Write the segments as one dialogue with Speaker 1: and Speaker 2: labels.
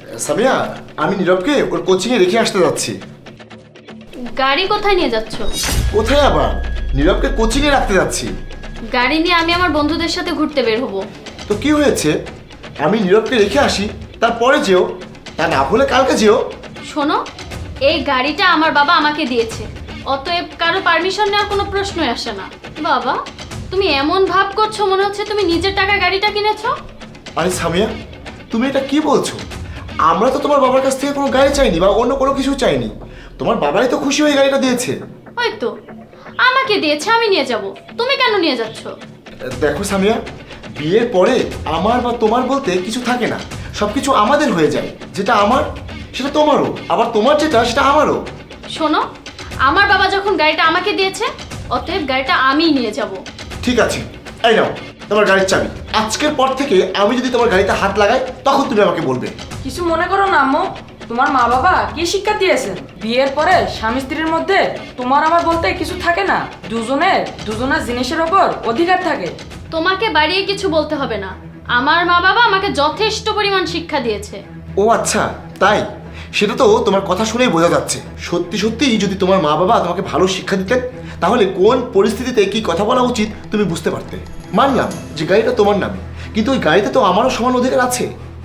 Speaker 1: সামিয়া, আমি নীরবকে ওর কোচিংয়ে রেখে আসতে যাচ্ছি।
Speaker 2: গাড়ি কোথায় নিয়ে যাচ্ছ?
Speaker 1: কোথায় আবার? নীরবকে কোচিংয়ে রাখতে যাচ্ছি।
Speaker 2: গাড়ি নিয়ে আমি আমার বন্ধুদের সাথে ঘুরতে বের হব।
Speaker 1: তো কি হয়েছে? আমি নীরবকে রেখে আসি, তারপরে যেও। তা না হলে কালকে যেও।
Speaker 2: শোনো, এই গাড়িটা আমার বাবা আমাকে দিয়েছে, অতএব কারো পারমিশন নেওয়ার কোনো প্রশ্নই আসে না। বাবা, তুমি এমন ভাব করছো মনে হচ্ছে তুমি নিজের টাকায় গাড়িটা কিনেছো।
Speaker 1: আরে সামিয়া, তুমি এটা কি বলছো? আমরা তো তোমার বাবার কাছ থেকে কোনো গাড়ি চাইনি বা অন্য কোনো কিছু চাইনি। তোমার বাবাই তো খুশি হয়ে গাড়িটা দিয়েছে।
Speaker 2: হয়তো আমাকে দিয়েছে, আমি নিয়ে যাব। তুমি কেন নিয়ে যাচ্ছ?
Speaker 1: দেখো সামিয়া, বিয়ের পরে আমার বা তোমার বলতে কিছু থাকে না, সব কিছু আমাদের হয়ে যায়। যেটা আমার সেটা তোমারও, আবার তোমার যেটা সেটা আমারও।
Speaker 2: শোনো, আমার বাবা যখন গাড়িটা আমাকে দিয়েছে, অতএব গাড়িটা আমিই নিয়ে যাব।
Speaker 1: ঠিক আছে, এই নাও তোমার গাড়ির চাবি। আজকের পর থেকে আমি যদি তোমার গাড়িতে হাত লাগাই তখন তুমি আমাকে বলবে।
Speaker 3: কিছু মনে করো না আম্মু, তোমার মা বাবা কি শিক্ষা দিয়েছেন? বিয়ের পরে স্বামী স্ত্রীর মধ্যে তোমার আমার বলতে কিছু থাকে না, দুজনের জিনিসের ওপর অধিকার থাকে।
Speaker 2: তোমাকে বাড়িয়ে কিছু বলতে হবে না, আমার মা বাবা আমাকে যথেষ্ট পরিমাণ শিক্ষা দিয়েছে।
Speaker 1: ও আচ্ছা, তাই? সেটা তো তোমার কথা শুনেই বোঝা যাচ্ছে। সত্যি সত্যি যদি তোমার মা বাবা তোমাকে ভালো শিক্ষা দিতেন, তাহলে কোন পরিস্থিতিতে কি কথা বলা উচিত তুমি বুঝতে পারতে। মানলাম যে গাড়িটা তোমার নামে, কিন্তু ওই গাড়িতে তো আমারও সমান অধিকার আছে।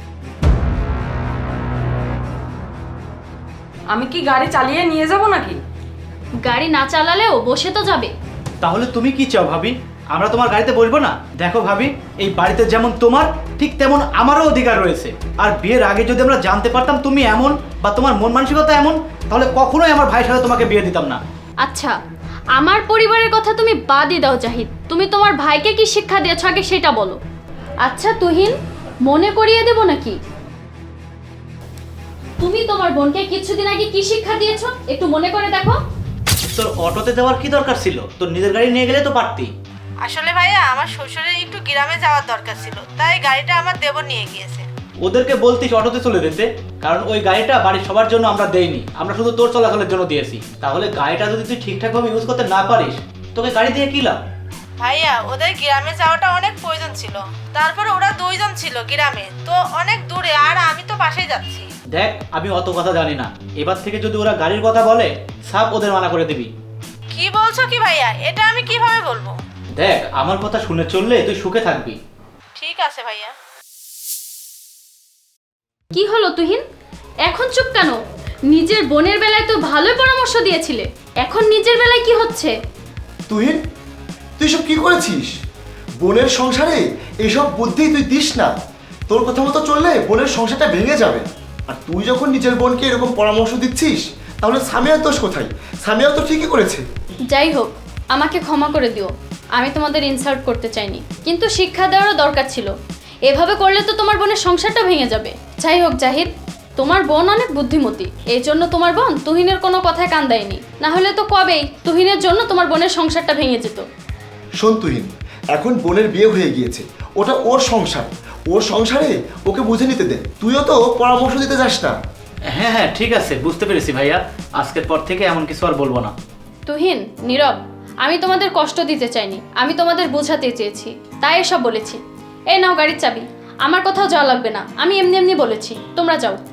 Speaker 3: আমি কি গাড়ি চালিয়ে নিয়ে যাব নাকি?
Speaker 2: গাড়ি না চালালেও বসে তো যাবে।
Speaker 4: তাহলে তুমি কি চাও ভাবি? আমরা তোমার গাড়িতে বসবো না? দেখো ভাবি, এই বাড়িতে যেমন তোমার ঠিক তেমন আমারও অধিকার রয়েছে। আর বিয়ের আগে যদি আমরা জানতে পারতাম তুমি এমন বা তোমার মন মানসিকতা এমন, তাহলে কখনোই আমার ভাইয়ের সাথে তোমাকে বিয়ে দিতাম না।
Speaker 2: আচ্ছা, আমার পরিবারের কথা তুমি বাদই দাও জাহিদ, তুমি তোমার ভাইকে কি শিক্ষা দিয়েছো আগে সেটা বলো। আচ্ছা তুহিন, মনে করিয়ে দেব নাকি? তুমি তোমার বোনকে কিছুদিন আগে কি শিক্ষা দিয়েছো একটু মনে করে দেখো।
Speaker 4: তোর অটোতে যাওয়ার কি দরকার ছিল? তোর নিজের গাড়ি নিয়ে গেলে তো পারতি।
Speaker 5: আসলে ভাইয়া, আমার শ্বশুরের একটু গ্রামে যাওয়ার দরকার ছিল, তাই গাড়িটা আমার দেবর নিয়ে গিয়েছে।
Speaker 4: ওদেরকে বলতিস অটোতে চলে যেতে, কারণ ওই গাড়িটা বাড়ির সবার জন্য আমরা দেইনি, আমরা শুধু তোর চলাচলের জন্য দিয়েছি। তাহলে গাড়িটা যদি তুই ঠিকঠাকভাবে ইউজ করতে না পারিস, তোকে গাড়ি দিয়ে কি লাভ?
Speaker 5: ভাইয়া, ওদের গ্রামে যাওয়াটা অনেক প্রয়োজন ছিল, তারপরে ওরা দুইজন ছিল গ্রামে, তো অনেক দূরে, আর আমি তো পাশেই যাচ্ছি।
Speaker 4: দেখ, আমি অত কথা জানি না, এবার থেকে যদি ওরা গাড়ির কথা বলে সাপ ওদের মানা করে দিবি।
Speaker 5: কি বলছো কি ভাইয়া? এটা আমি কিভাবে বলবো?
Speaker 4: দেখ, আমার কথা শুনে চললে তুই সুখে থাকবি।
Speaker 5: ঠিক আছে ভাইয়া।
Speaker 2: কি হলো তুহিন, এখন চুপ কেন? নিজের বোনের বেলায় তো ভালোই পরামর্শ দিয়েছিলে, এখন নিজের বেলায় কি হচ্ছে?
Speaker 1: তুহিন, তুই সব কি করেছিস? বোনের সংসারে এসব বুদ্ধি তুই দিস না। তোর কথা মতো চললে বোনের সংসারটা ভেঙে যাবে। আর তুই যখন নিজের বোনকে এরকম পরামর্শ দিচ্ছিস, তাহলে সামিয়ার দোষ কোথায়? সামিয়া তো ঠিকই করেছে।
Speaker 2: যাই হোক, আমাকে ক্ষমা করে দিও, আমি তোমাদের ইনসাল্ট করতে চাইনি, কিন্তু শিক্ষা দেওয়ারও দরকার ছিল। এভাবে করলে তো তোমার বোনের সংসারটা ভেঙে যাবে। যাই হোক জাহিদ, তোমার বোন অনেক বুদ্ধিমতী, এই জন্য তোমার বোন তুহিনের কোনো কথায় কান দেয়নি, না হলে তো কবেই তুহিনের জন্য তোমার বোনের সংসারটা ভেঙে যেত।
Speaker 1: শোন তুহিন, এখন বোনের বিয়ে হয়ে গিয়েছে, ওটা ওর সংসার, ওর সংসারে ওকে বুঝে নিতে দে। তুইও তো পরামর্শ দিতে যাস না।
Speaker 4: হ্যাঁ হ্যাঁ, ঠিক আছে, বুঝতে পেরেছি ভাইয়া, আজকের পর থেকে এমন কিছু আর বলবো না।
Speaker 2: তুহিন, নীরব, আমি তোমাদের কষ্ট দিতে চাইনি, আমি তোমাদের বোঝাতে চেয়েছি, তাই এসব বলেছি। এই নাও গাড়ির চাবি, আমার কোথাও যাওয়া লাগবে না, আমি এমনি এমনি বলেছি, তোমরা যাও।